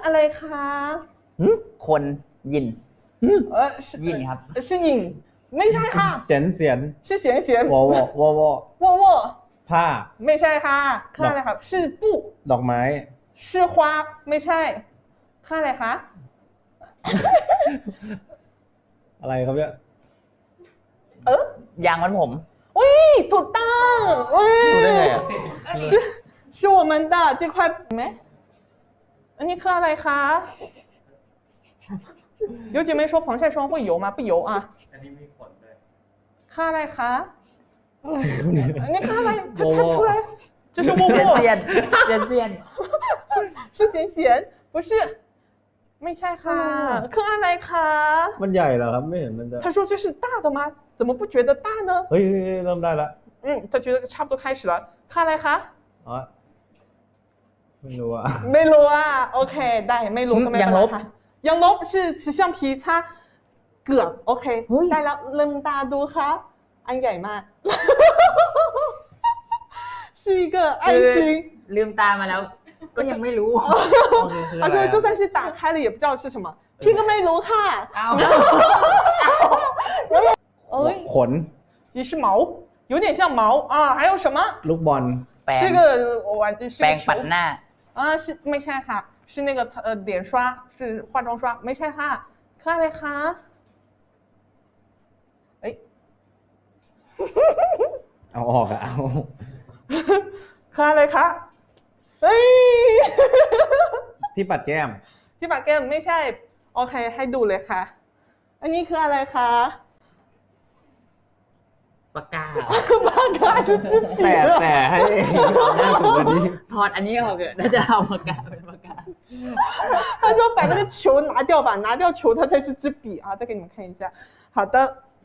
อะไรคะคนยิน是ยินครับ是影ไม่ใช่ค่ะเสียนเสียน是咸咸วอวอวอวอ沃沃ผ้าไม่ใช่ค่ะค่าอะไรครับ是布ดอกไม้是花ไม่ใช่ค่าอะไรคะอะไรครับเนี่ยยางมัดผมอุ้ยถูกต้องอุ้ยรู้ได้ไงอ่ะ是我们的这块ไหมอันนี้คืออะไรคะ有姐妹说防晒霜会油吗不油啊อันนี้มีขนด้วยค่าอะไรคะอะไรครับเนี่ยอันนี้ค่าอะไร它看出来这是沃เซียน沃เซียนเซียนเซียน是咸咸不是ไม่ใช่ค่ะคืออะไรคะมันใหญ่เหรอครับไม่เห็นมันจะ他说这是大的吗怎么不觉得大呢เฮ้ยเริ่มได้ละ他觉得差不多开始了ค่าอะไรคะอ๋อไม่รู้อ่ะไม่รู้อ่ะโอเคได้ไม่รู้ก็ไม่เป็นไรค่ะยังลบ是吃橡皮擦เกือบโอเคได้แล้วลืมตาดูค่ะอันใหญ่มาก 是一个爱心ลืมตามาแล้ว ก็ยังไม่รู้他说就算是打开了也不知道是什么พี่ก็ไม่รู้ค่ะเอาเอ้ยขน也是毛有点像毛啊还有什么ลูกบอลแปรง是个玩是แปร个งปัด球หน้า是ไม่ใช่ค่ะ是那个脸刷是化妆刷ไม่ใช่ค่ะคืออะไรคะเอ้ยเอาออกอะเอาคืออะไรคะเฮ้ยที่ปัดแก้มพี่ปากแก้มไม่ใช่โอเคให้ดูเลยค่ะ อันนี้คืออะไรคะปากกาปากกา是支笔แต่ให้เอาหน้าถูกอันนี้ถอดอันนี้ออกเถอะน่าจะเอาปากกาเป็นปากกา他说把那个球拿掉吧，拿掉球它才是支笔啊！再给你们看一下。好的，